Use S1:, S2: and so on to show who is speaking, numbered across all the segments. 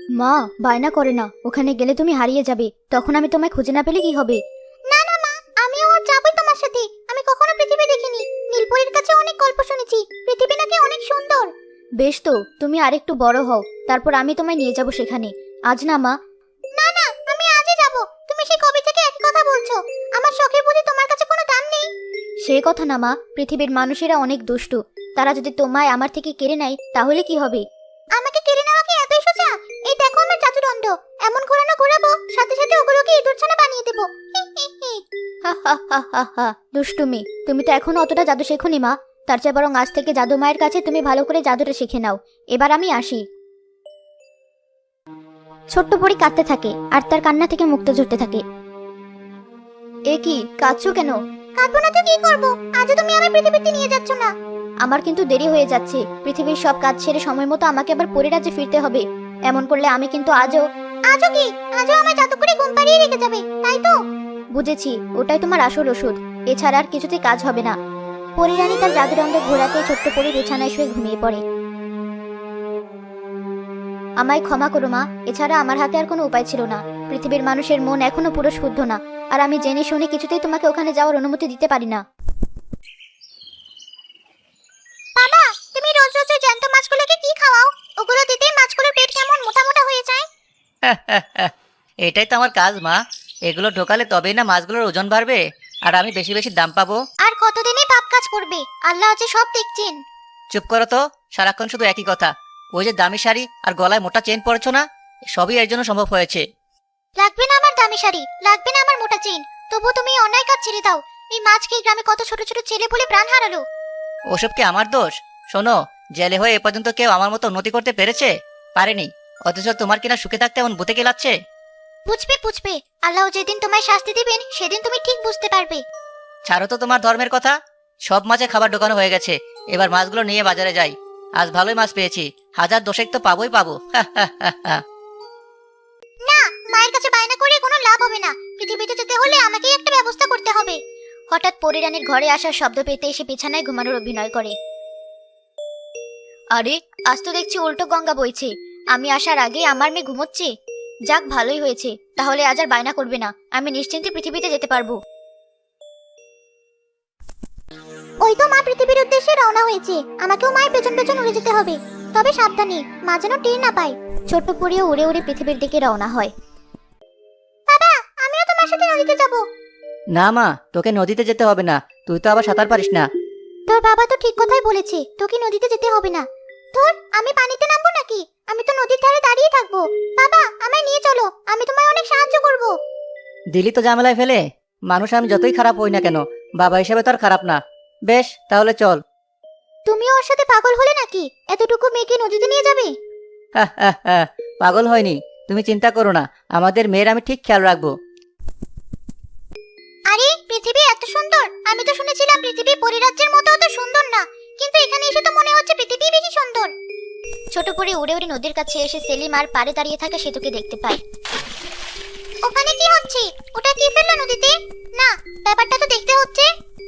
S1: মা, বায়না করে না, ওখানে গেলে তুমি হারিয়ে যাবে, তখন আমি তোমায় খুঁজে না পেলে কি হবে?
S2: না না মা, আমিও আর যাবই তোমার সাথে। আমি কখনো পৃথিবী দেখিনি। নীলপরীর কাছে অনেক গল্প শুনেছি, পৃথিবী নাকি অনেক সুন্দর।
S1: বেশ তো, তুমি আরেকটু বড় হও, তারপর আমি তোমায় নিয়ে যাব সেখানে। আজ না মা।
S2: না না, আমি আজই যাব। তুমি সেই কবে থেকে একই কথা বলছো? আমার শখের বুঝি তোমার কাছে কোনো দাম নেই?
S1: সে কথা না মা, পৃথিবীর মানুষেরা অনেক দুষ্টু। তারা যদি তোমায় আমার থেকে কেড়ে নেয় তাহলে কি হবে?
S2: আমাকে কেড়ে নেওয়া কি এতই সোজা? এই দেখো আমার জাদুদণ্ড, এমন ঘোরানো ঘোরাবো সাথে সাথে ওগুলোকে ইঁদুরছানা বানিয়ে দেবো। হি, হি, হি।
S1: হা হা হা হা হা, দুষ্টুমি। তুমি তো এখনো অতটা জাদু শেখোনি মা। তার চেয়ে বরং আজ থেকে জাদু মায়ের কাছে তুমি ভালো করে জাদুটা শিখে নাও। এবার আমি আসি। ছোট্ট পরী কাঁদতে থাকে আর তার কান্না থেকে মুক্ত ঝরতে থাকে। এ কি, কাঁদছো কেন?
S2: কাঁদবো না তো কি করবো? আজও তুমি আমার পৃথিবীতে নিয়ে যাচ্ছ না।
S1: আমার কিন্তু দেরি হয়ে যাচ্ছে। পৃথিবীর সব কাজ ছেড়ে সময় মতো আমাকে আবার পরিরাজ্যে ফিরতে হবে। এমন করলে আমি কিন্তু আজও।
S2: আজও কি? আজও আমায় জাদু করে ঘুম পাড়িয়ে রেখে যাবে, তাই তো?
S1: বুঝেছি, ওটাই তোমার আসল ওষুধ। এছাড়া আর কিছুতেই কাজ হবে না। পরিরানী তার জাদুদণ্ড ঘোরাতে ছোট্ট পরী বিছানায় শুয়ে ঘুমিয়ে পড়ে। আমায় ক্ষমা করো মা, এছাড়া আমার হাতে আর কোনো উপায় ছিল না। পৃথিবীর মানুষের মন এখনো পুরো শুদ্ধ না, আর আমি জেনে শুনে কিছুতেই তোমাকে ওখানে যাওয়ার অনুমতি দিতে পারি না।
S2: বাবা, তুমি রোজ রোজ ওই জ্যান্ত মাছগুলোকে কি খাওয়াও? ওগুলো দিতেই মাছগুলোর পেট কেমন মোটা মোটা হয়ে যায়।
S3: এটাই তো আমার কাজ মা। এগুলো ঢোকালে তবেই না মাছগুলোর ওজন বাড়বে, আর আমি বেশি বেশি দাম পাবো।
S2: আর কতদিনই পাপ কাজ করবে? আল্লাহ যে সব দেখছেন।
S3: চুপ করো তো, সারাক্ষণ শুধু একই কথা। ওই যে দামি শাড়ি আর গলায় মোটা চেন পরেছো না, সবই এর জন্য সম্ভব হয়েছে।
S2: লাগবে না আমার দামি শাড়ি, লাগবে না আমার মোটা চেন, তবু তুমি এই অন্যায় কাজ ছেড়ে দাও। এই মাছকে এই গ্রামে কত ছোট ছোট ছেলে বলে প্রাণ হারালো।
S3: ওসব কি আমার দোষ? শোনো, জেলে হয়ে এ পর্যন্ত কেউ আমার মতো উন্নতি করতে পেরেছে? পারেনি। অথচ তোমার কিনা সুখে থাকতে এমন ভূতে গেলাচ্ছে।
S2: বুঝবে বুঝবে, আল্লাহ যেদিন তোমায় শাস্তি দিবেন সেদিন তুমি ঠিক বুঝতে পারবে।
S3: ছাড়ো তো তোমার ধর্মের কথা। সব মাছে খাবার ঢোকানো হয়ে গেছে, এবার মাছগুলো নিয়ে বাজারে যাই। আজ ভালোই মাছ পেয়েছি, হাজার দশেক তো পাবোই পাবো।
S2: না, মায়ের কাছে বায়না করে কোনো লাভ হবে না। পৃথিবীতে যেতে হলে আমাকেই একটা ব্যবস্থা করতে হবে।
S1: হঠাৎ পরিরানীর ঘরে আসার শব্দ পেতে এসে বিছানায় ঘুমানোর অভিনয় করে। আরে, আজ তো দেখছি উল্টো গঙ্গা বইছে। আমি আসার আগে আমার মেয়ে ঘুমোচ্ছে। যাক, ভালোই হয়েছে, তাহলে আজ আর বায়না করবে না। আমি নিশ্চিন্তে পৃথিবীতে যেতে পারবো।
S2: ওই তো মা পৃথিবীর উদ্দেশ্যে রওনা হয়েছে। আমাকেও মায়ের পেছন পেছন উড়ে যেতে হবে, তবে সাবধানে, মা যেন টের না পায়।
S1: ছোট্ট পরীও উড়ে উড়ে পৃথিবীর দিকে রওনা হয়।
S2: বাবা, আমিও তোমার সাথে নদীতে যাব।
S3: না মা, তোকে নদীতে যেতে হবে না, তুই তো আবার সাঁতার পারিস না।
S2: তোর বাবা তো ঠিক কথাই বলেছে, তোকে নদীতে যেতে হবে না। ধর, আমি পানিতে নামবো নাকি? আমি তো নদীর ধারে দাঁড়িয়ে থাকবো। বাবা, আমায় নিয়ে চলো, আমি তোমায় অনেক সাহায্য করব।
S3: দিলি তো ঝামেলায় ফেলে। মানুষ আমি যতই খারাপ হই না কেন, বাবা হিসেবে তো আর খারাপ না। বেশ, তাহলে চল।
S2: তুমিও ওর সাথে পাগল হলে নাকি? এতটুকু মেয়েকে নদীতে নিয়ে যাবে?
S3: পাগল হয়নি, তুমি চিন্তা করো না, আমাদের মেয়ের আমি ঠিক খেয়াল রাখবো।
S2: আরে, পৃথিবী এত সুন্দর! আমি তো শুনেছিলাম পৃথিবী পরিরাজ্যের মতো অত সুন্দর না, কিন্তু এখানে এসে তো মনে হচ্ছে পৃথিবী বেশি সুন্দর।
S1: ছোট পরী উড়ে উড়ে নদীর কাছে এসে সেলিম আর পাড়ে দাঁড়িয়ে থাকা সেতুকে দেখতে পায়।
S2: ওখানে কি হচ্ছে? ওটা কি ফেললো নদীতে? না, ব্যাপারটা তো দেখতে হচ্ছে।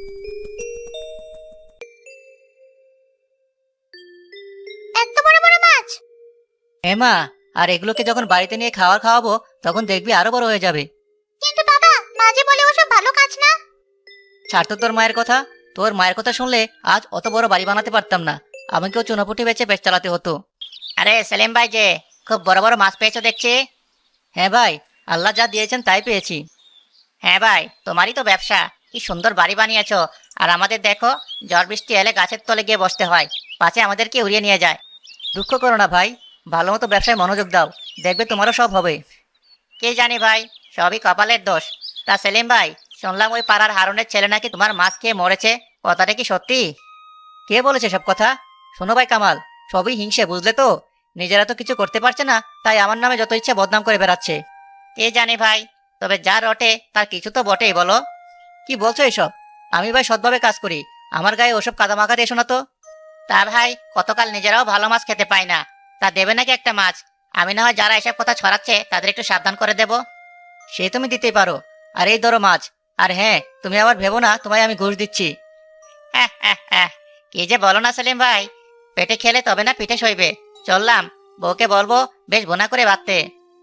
S2: এত বড় বড় মাছ!
S3: মা, আর এগুলোকে যখন বাড়িতে নিয়ে খাওয়াবো, তখন দেখবি আরো বড় হয়ে যাবে।
S2: কিন্তু বাবা, মাঝে বলে ওসব ভালো কাজ না।
S3: ছাড় তো তোর মায়ের কথা। তোর মায়ের কথা শুনলে আজ অত বড় বাড়ি বানাতে পারতাম না, আমাকেও চুনাপুটি বেচে পেট চালাতে হতো। আরে সেলিম ভাই, যে খুব বড় বড় মাছ পেয়েছো দেখছি। হ্যাঁ ভাই, আল্লাহ যা দিয়েছেন তাই পেয়েছি। হ্যাঁ ভাই, তোমারই তো ব্যবসা। কি সুন্দর বাড়ি বানিয়েছো, আর আমাদের দেখো, ঝড় বৃষ্টি এলে গাছের তলে গিয়ে বসতে হয়, পাছে আমাদেরকে উড়িয়ে নিয়ে যায়। দুঃখ করো না ভাই, ভালো মতো ব্যবসায় মনোযোগ দাও, দেখবে তোমারও সব হবে। কে জানি ভাই, সবই কপালের দোষ। তা সেলিম ভাই, শুনলাম ওই পাড়ার হারুনের ছেলে নাকি তোমার মাছ খেয়ে মরেছে, কথাটা কি সত্যি? কে বলেছে সব কথা? শোনো ভাই কামাল, সবই হিংসে, বুঝলে তো? নিজেরা তো কিছু করতে পারছে না, তাই আমার নামে যত ইচ্ছা বদনাম করে বেড়াচ্ছে। কে জানি ভাই, তবে যা রটে তার কিছু তো বটেই, বলো। কি বলছো এসব? আমি ভাই সৎভাবে কাজ করি, আমার গায়ে ওসব কাদা মাখাতে এসো না তো। তা ভাই, কতকাল নিজেরাও ভালো মাছ খেতে পাই না, তা দেবে নাকি একটা মাছ? আমি না হয় যারা এসব কথা ছড়াচ্ছে তাদের একটু সাবধান করে দেব। সে তুমি দিতেই পারো, আর এই ধরো মাছ। আর হ্যাঁ, তুমি আবার ভেবো না তোমায় আমি ঘুষ দিচ্ছি। কি যে বলো না সেলিম ভাই, পেটে খেলে তবে না পিঠে সইবে। চললাম, বউকে বলবো বেশ বোনা করে বাঁধতে।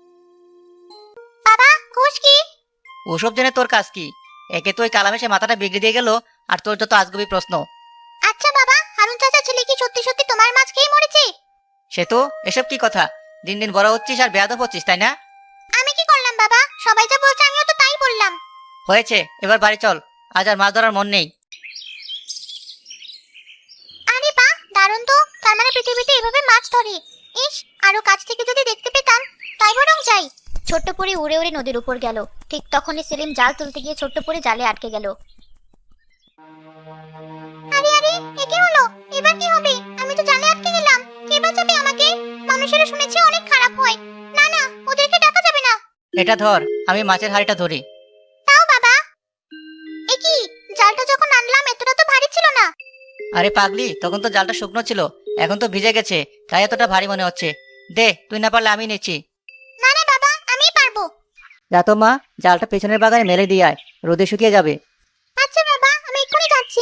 S2: বাবা ঘুষ কি?
S3: ওসব জেনে তোর কাজ কি? একে তো ওই কালামেশে মাথাটা বিগড়ে দিয়ে গেল, আর তোর যত আজগুবি প্রশ্ন।
S2: আচ্ছা বাবা, হারুন চাচা ছেলে কি সত্যি সত্যি তোমার মাছ খেয়ে মরেছে?
S3: সে তো এসব কি কথা, দিন দিন বড় হচ্ছিস আর বেয়াদব হচ্ছিস, তাই না?
S2: আমি কি করলাম বাবা? সবাই যা বলছে আমিও তো তাই বললাম।
S3: হয়েছে, এবার বাড়ি চল, আজ আর মাছ ধরার মন নেই।
S2: আরে বাহ, দারুণ তো। তার মানে পৃথিবীতে এভাবে মাছ ধরে। ইস, আরো কাছ থেকে যদি দেখতে পেতাম, তাই বরং যাই।
S1: ছোট্ট পরি উড়ে উড়ে নদীর উপর গেল। ঠিক তখনই সেলিম জাল তুলতে গিয়ে ছোট্ট পরি জালে আটকে গেল।
S2: আরে আরে, এ কি হলো? এবার কি হবে? আমি তো জালে আটকে গেলাম। কে বাঁচাবে আমাকে? মানুষেরা শুনেছি অনেক খারাপ হয়। না না, ওদেরকে ডাকা যাবে না।
S3: এটা ধর, আমি মাছের হাড়িটা ধরি।
S2: তাও বাবা। এ কি, জালটা যখন আনলাম এতটা তো ভারী ছিল না।
S3: আরে পাগলি, তখন তো জালটা শুকনো ছিল, এখন তো ভিজে গেছে, তাই এতটা ভারী মনে হচ্ছে। দে, তুই না পারলে আমি নিচ্ছি।
S2: না না বাবা, আমিই পারবো।
S3: যা তো মা, জালটা পেছনের বাগানে মেলে দিয়ে আয়, রোদে শুকিয়ে যাবে।
S2: আচ্ছা বাবা, আমি এক্ষুনি যাচ্ছি।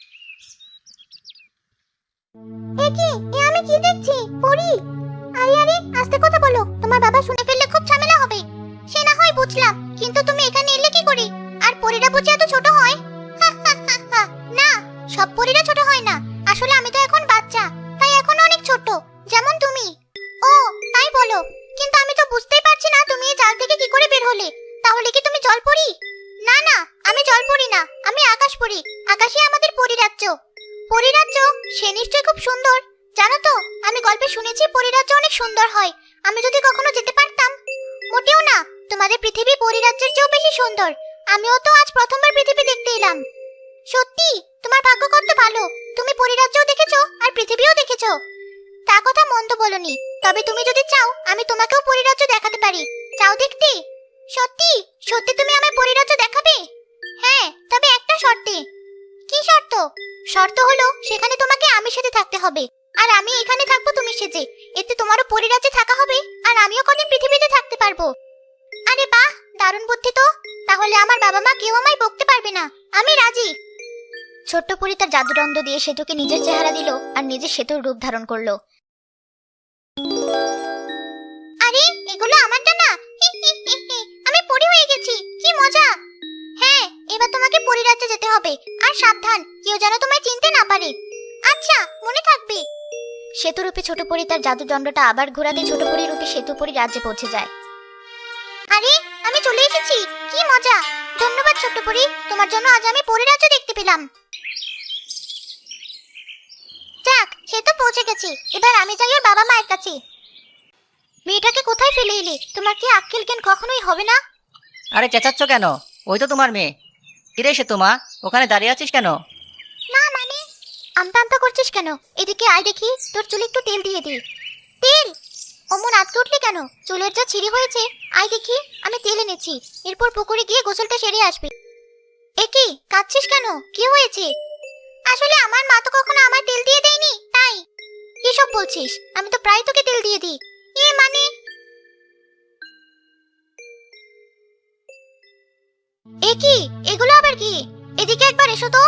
S2: এ কি, এ আমি কি দেখছি? পরি? আরে আরে, আস্তে কথা বলো, তোমার বাবা শুনে ফেললে খুব ঝামেলা হবে। সে না হয় বুঝলাম, কিন্তু তুমি এখানে এলে কি করে? আর পরীরা বুঝি এত ছোট হয়? হা, হা, হা, হা। না, সব পরীরা ছোট হয় না। আসলে আমি তো এখন বাচ্চা, তাই এখন অনেক ছোট, যেমন তুমি। ও, তাই বলো। কিন্তু আমি তো বুঝতেই পারছি না তুমি এই জাল থেকে কি করে বের হলে। তাহলে কি তুমি জল পরী? না না, আমি জল পরী না, আমি আকাশ পরী। আকাশে আমাদের পরীরাজ্য। পরীরাজ্য? সে নিশ্চয়ই খুব সুন্দর। জানো তো, আমি গল্পে শুনেছি পরীরাজ্য অনেক সুন্দর হয়। আমি যদি কখনো যেতে পারতাম। মোটেও না, তোমাদের পৃথিবী পরীরাজ্যের চেয়েও বেশি সুন্দর। আমিও তো আজ প্রথমবার পৃথিবী দেখতে এলাম। সত্যি, তোমার ভাগ্য কত ভালো। তুমি পরীরাজ্যও দেখেছো আর পৃথিবীও দেখেছো। তা কথা মন্দ বলনি। তবে তুমি যদি চাও, আমি তোমাকেও পরীরাজ্য দেখাতে পারি। চাও দেখতে? সত্যি সত্যি তুমি আমায় পরীরাজ্য দেখাবে? হ্যাঁ, তবে একটা শর্তে। কি শর্ত? শর্ত হলো সেখানে তোমাকে আমি সাথে থাকতে হবে, আর আমি এখানে থাকবো তুমি সেজে। এতে তোমারও পরিরাজ্যে থাকা হবে, আর আমিও কদিন পৃথিবীতে থাকতে পারবো। আরে বাহ, দারুণ বুদ্ধি তো। তাহলে আমার বাবা মা কেউ আমায় বকতে পারবে না। আমি রাজি।
S1: ছোট্ট পরি তার জাদুদণ্ড দিয়ে সেতুকে নিজের চেহারা দিল আর নিজের সেতুর রূপ ধারণ করলো।
S2: আরে, এগুলো আমারটা না। হি, হি, হি, হি। আমি পরি হয়ে গেছি, কি মজা। হ্যাঁ, এবার তোমাকে পরিরাজ্যে যেতে হবে। আর সাবধান, কেউ যেন তোমায় চিনতে না পারে। আচ্ছা, মনে থাকবে।
S1: সেতুরূপে ছোট পরি তার জাদুদণ্ডটা আবার ঘোরাতে ছোট পরি রূপে সেতু পরি রাজ্যে পৌঁছে যায়।
S2: আরে, আমি চলে এসেছি, কি মজা। ধন্যবাদ ছোট্ট পরি, তোমার জন্য আজ আমি পরিরাজ্য দেখতে পেলাম। যাক, সে তো পৌঁছে গেছি। এবার আমি যাই ওর বাবা মায়ের কাছে। মেয়েটাকে কোথায় ফেলে এলে? তোমার কি আক্কেল জ্ঞান কখনোই হবে না?
S3: আরে চেঁচাচ্ছ কেন? ওই তো তোমার মেয়ে। কিরে সে তোমা, ওখানে দাঁড়িয়ে আছিস কেন?
S2: না মানে, আমতা আমতা করছিস কেন? এদিকে আয় দেখি, তোর চুলে একটু তেল দিয়ে দিই। তেল? অমন আটকে উঠলি কেন? চুলের যা ছিঁড়ি হয়েছে। আয় দেখি, আমি তেল এনেছি। এরপর পুকুরে গিয়ে গোসলটা সেরে আসবি। এ কি, কাঁদছিস কেন? কি হয়েছে? আসলে আমার মা তো কখনো আমার তেল দিয়ে দেয়নি, তাই। এসব বলছিস? আমি তো প্রায় তোকে তেল দিয়ে দিই। এ মানে, এ কি, এগুলো আবার কি? এদিকে একবার এসো তো।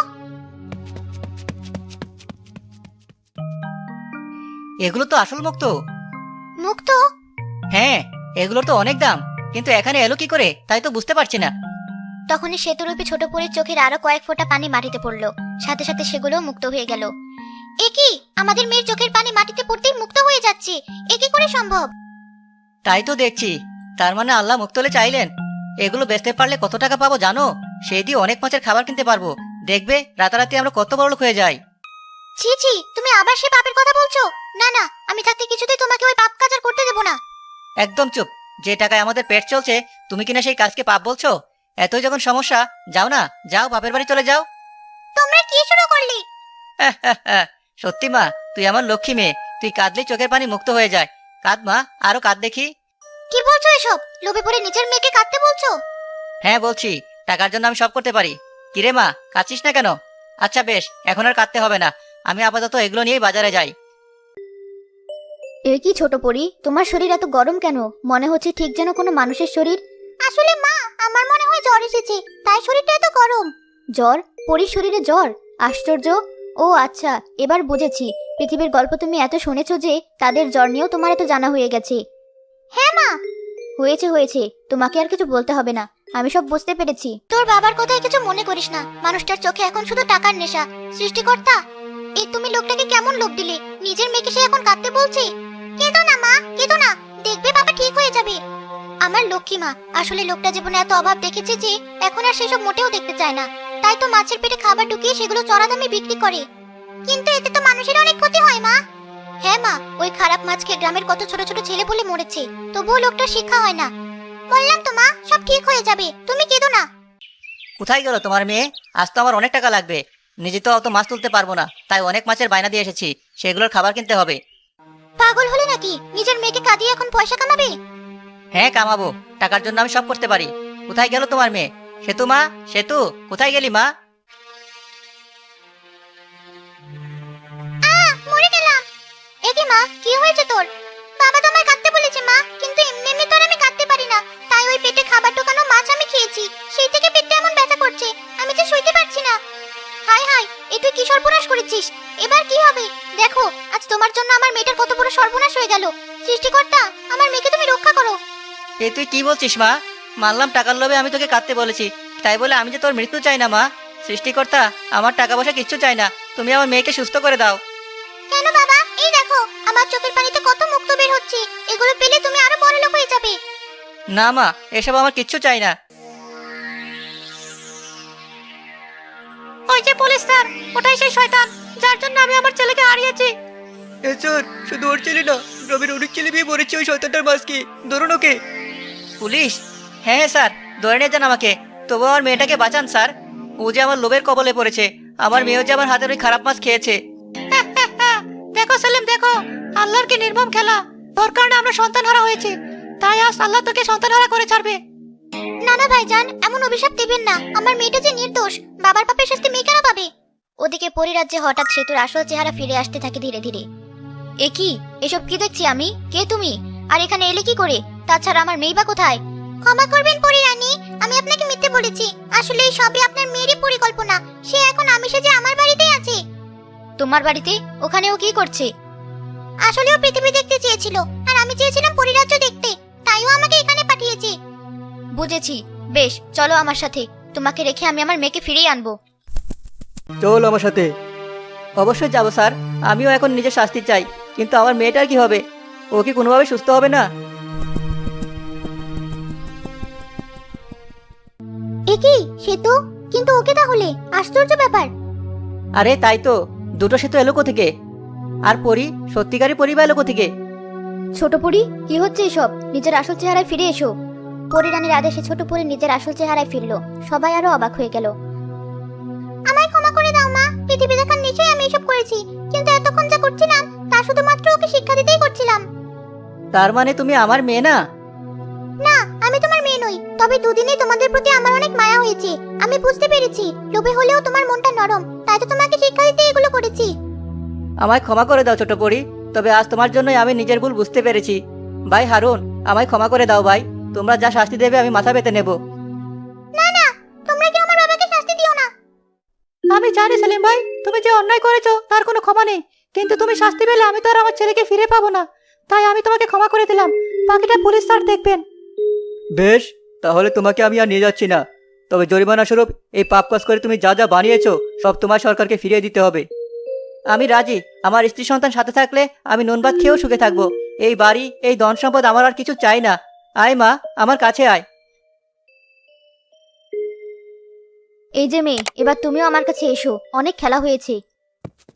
S3: এগুলো তো আসল মুক্তো।
S2: মুক্ত?
S3: হ্যাঁ, এগুলোর তো অনেক দাম, কিন্তু এখানে এলো কি করে তাই তো বুঝতে পারছি না।
S1: তখনই সেতুরূপে ছোট পরির চোখের আরো কয়েক ফোঁটা পানি মাটিতে পড়লো। সাথে সাথে সেগুলোও মুক্ত হয়ে গেল।
S2: এ কি, আমাদের মেয়ের চোখের পানি মাটিতে পড়তেই মুক্ত হয়ে যাচ্ছে। এ কি করে সম্ভব?
S3: তাই তো দেখছি। তার মানে আল্লাহ মুক্ত হলে চাইলেন। এগুলো বেচতে পারলে কত টাকা পাবো জানো? সেই দিয়ে অনেক মাছের খাবার কিনতে পারবো। দেখবে রাতারাতি আমরা কত বড়লোক হয়ে যাই।
S2: ছি ছি, তুমি আবার সে পাপের কথা বলছো? না না, আমি থাকতে কিছুতেই তোমাকে ওই পাপ কাজ আর করতে দেব না।
S3: একদম চুপ। যে টাকায় আমাদের পেট চলছে, তুমি কিনা সেই কাজকে পাপ বলছো? এতই যখন সমস্যা, যাও না, যাও বাপের বাড়ি চলে যাও।
S2: তোমরা কি শুরু করলে?
S3: সত্যি মা, তুই আমার লক্ষ্মী মেয়ে। তুই কাঁদলেই চোখের পানি মুক্ত হয়ে যায়। কাঁদ মা, আরো কাঁদ দেখি।
S2: কি বলছো এসব? লোভে পড়ে নিজের মেয়েকে কাঁদতে বলছো?
S3: হ্যাঁ বলছি, টাকার জন্য আমি সব করতে পারি। কিরে মা, কাঁদছিস না কেন? আচ্ছা বেশ, এখন আর কাঁদতে হবে না। আমি আপাতত এগুলো নিয়েই বাজারে যাই।
S1: এ কি ছোট পরি, তোমার শরীর এত গরম কেন? মনে হচ্ছে ঠিক যেন কোনো মানুষের শরীর।
S2: আসলে মা, আমার মনে হয় জ্বর এসেছে, তাই শরীরটা এত গরম।
S1: জ্বর? পরির শরীরে জ্বর? আশ্চর্য। ও আচ্ছা, এবার বুঝেছি। পৃথিবীর গল্প তুমি এত শুনেছো যে তাদের জ্বর নিয়েও তোমার এত জানা হয়ে গেছে।
S2: হ্যাঁ মা।
S1: হয়েছে হয়েছে, তোমাকে আর কিছু বলতে হবে না, আমি সব বুঝতে পেরেছি।
S2: তোর বাবার কথায় কিছু মনে করিস না, মানুষটার চোখে এখন শুধু টাকার নেশা। সৃষ্টিকর্তা, এই তুমি লোকটাকে কেমন লোভ দিলে? নিজের মেয়েকে সে এখন কাঁদতে বলছে। কেঁদো না মা, কেঁদো না, দেখবে বাবা ঠিক হয়ে যাবে। আমার লক্ষ্মী মা, আসলে লোকটা জীবনে এত অভাব দেখেছে যে এখন আর সেসব মোটেও দেখতে চায় না। তাই তো মাছের পেটে খাবার ঢুকিয়ে সেগুলো চড়া দামে বিক্রি করে। কিন্তু এতে তো মানুষের অনেক ক্ষতি হয় মা। হ্যাঁ মা, ওই খারাপ মাছ খেয়ে গ্রামের কত ছোট ছোট ছেলে বলে মরেছে, তবুও লোকটার শিক্ষা হয় না। বললাম তো মা, সব ঠিক হয়ে যাবে, তুমি কেঁদো না।
S3: কোথায় গেল তোমার মেয়ে? আজ তো আমার অনেক টাকা লাগবে। নিজে তো অত মাছ তুলতে পারবো না, তাই অনেক মাছের বায়না দিয়ে এসেছি, সেগুলোর খাবার কিনতে হবে।
S2: পাগল হলে নাকি? নিজের মেয়েকে কাঁদিয়ে এখন পয়সা কামাবে?
S3: হ্যাঁ কামাবো, টাকার জন্য আমি সব করতে পারি। কোথায় গেল তোমার মেয়ে? সেতু মা, সেতু, কোথায় গেলি মা?
S2: মরে গেলাম। এ কি মা, কি হয়েছে তোর? বাবা তো আমায় কাঁদতে বলেছে মা, কিন্তু এমনি এমনি তো আর আমি কাঁদতে পারি না। তাই ওই পেটে খাবার ঢোকানো মাছ আমি খেয়েছি, সেই থেকে পেটটা এমন ব্যথা করছে, আমি যে সইতে পারছি না। হায় হায়, এ তুই কি সর্বনাশ করেছিস? এবার কি হবে? দেখো, আজ তোমার জন্য আমার মেয়েটার কত বড় সর্বনাশ হয়ে গেল। সৃষ্টিকর্তা, আমার মেয়েকে তুমি রক্ষা করো।
S3: এ তুই কি বলছিস মা? মানলাম টাকার লোভে আমি তোকে কাঁদতে বলেছি, তাই বলে আমি যে তোর মৃত্যু চাই না মা। সৃষ্টিকর্তা, আমার টাকা পয়সা কিচ্ছু চাই না, তুমি আমার মেয়েকে সুস্থ করে দাও।
S2: কেন বাবা, এই দেখো আমার চোখের পানিতে কত মুক্ত বের হচ্ছে, এগুলো পেলে তুমি আরো বড় লোক হয়ে যাবে।
S3: না মা, এসব আমার কিচ্ছু চাই না। ওই যে পুলিশ স্যার, ওটাই সেই শয়তান যার জন্য আমি আমার ছেলেকে হারিয়েছি। স্যার, শুধু ওর ছেলে না, গ্রামের অনেক ছেলে মেয়ে মরেছে ওই শয়তানটার মাঝকে, ধরুন ওকে। পুলিশ? হ্যাঁ হ্যাঁ স্যার, ধরে নিয়ে যান আমাকে, তবু আমার মেয়েটাকে বাঁচান স্যার। ও যে আমার লোভের কবলে পড়েছে, আমার মেয়েও যে আমার হাতের ওই খারাপ মাছ খেয়েছে। দেখো সেলিম, দেখো আল্লাহর কি নির্মম খেলা। তোর কারণে আমরা সন্তান হারা হয়েছে, তাই আজ আল্লাহ তোকে সন্তান হারা করে ছাড়বে।
S2: না না ভাইজান, এমন অভিশাপ দেবেন না, আমার মেয়েটা যে নির্দোষ, বাবার পাপের শাস্তি মেয়ে কেন পাবে? ওদিকে পরিরাজ্যে হঠাৎ সেতুর আসল চেহারা ফিরে আসতে থাকে ধীরে ধীরে।
S1: এ কি, এসব কি দেখছি আমি? কে তুমি? আর এখানে এলে কি করে? তাছাড়া আমার মেয়ে বা কোথায়?
S2: ক্ষমা করবেন পরিরানী, আমি আপনাকে মিথ্যে বলেছি। আসলে এই সবই আপনার মেয়েরই পরিকল্পনা। সে এখন আমি সেজে আমার বাড়িতেই আছে।
S1: তোমার বাড়িতে? ওখানে ও কি করছে?
S2: আসলে ও পৃথিবী দেখতে চেয়েছিল, আর আমি চেয়েছিলাম পরিরাজ্য দেখতে, তাই ও আমাকে এখানে পাঠিয়েছে।
S1: বুঝেছি, বেশ, চলো আমার সাথে, তোমাকে রেখে আমি আমার মেয়েকে ফিরিয়ে আনবো।
S3: চল আমার সাথে। অবশ্যই যাবো স্যার, আমিও এখন নিজের শাস্তি চাই, কিন্তু আমার মেয়েটার কি হবে? ও কি কোনোভাবে সুস্থ হবে না?
S2: এ কি সেতু? কিন্তু ওকে তাহলে? আশ্চর্য ব্যাপার।
S3: আরে তাই তো, দুটো সেতু এলো কোথেকে? আর পরি, সত্যিকারই পরি বা এলো কোথেকে?
S1: ছোট পরি, কি হচ্ছে এসব? নিজের আসল চেহারায় ফিরে এসো। পরিরানীর আদেশে ছোট পরি নিজের আসল চেহারায় ফিরলো। সবাই আরো অবাক হয়ে গেল।
S2: আমায় ক্ষমা করে দাও মা, পৃথিবী দেখার নিশ্চয়ই আমি এসব করেছি, কিন্তু এতক্ষণ যা করছিলাম তা শুধুমাত্র ওকে শিক্ষা দিতেই করছিলাম।
S3: তার মানে তুমি আমার মেয়ে না?
S2: না, আমি তোমার মেয়ে নই, তবে দুদিনেই তোমাদের প্রতি আমার অনেক মায়া হয়েছে। আমি বুঝতে পেরেছি লোভে হলেও তোমার মনটা নরম, তাই তো তোমাকে শিক্ষা দিতে এগুলো করেছি।
S3: আমায় ক্ষমা করে দাও ছোট পরি, তবে আজ তোমার জন্যই আমি নিজের ভুল বুঝতে পেরেছি। ভাই হারুন, আমায় ক্ষমা করে দাও ভাই, তোমরা যা শাস্তি দেবে আমি মাথা পেতে নেব।
S2: না না, তোমরা কি আমার বাবাকে শাস্তি দিও না।
S3: আমি জানি সেলিম ভাই, তুমি যে অন্যায় করেছো তার কোনো ক্ষমা নেই, কিন্তু তুমি শাস্তি পেলে আমি তো আর আমার ছেলেকে ফিরে পাবো না, তাই আমি তোমাকে ক্ষমা করে দিলাম। বাকিটা পুলিশ স্যার দেখবেন। বেশ, তাহলে তোমাকে আমি আর নিয়ে যাচ্ছি না, তবে জরিমানা স্বরূপ এই পাপ কাজ করে তুমি যা যা বানিয়েছো সব তোমার সরকারকে ফিরিয়ে দিতে হবে। আমি রাজি, আমার স্ত্রী সন্তান সাথে থাকলে আমি নুন ভাত খেয়েও সুখে থাকবো। এই বাড়ি, এই ধন সম্পদ আমার আর কিছু চাই না। আয় মা, আমার কাছে আয়।
S1: এই যে মেয়ে, এবার তুমিও আমার কাছে এসো, অনেক খেলা হয়েছে।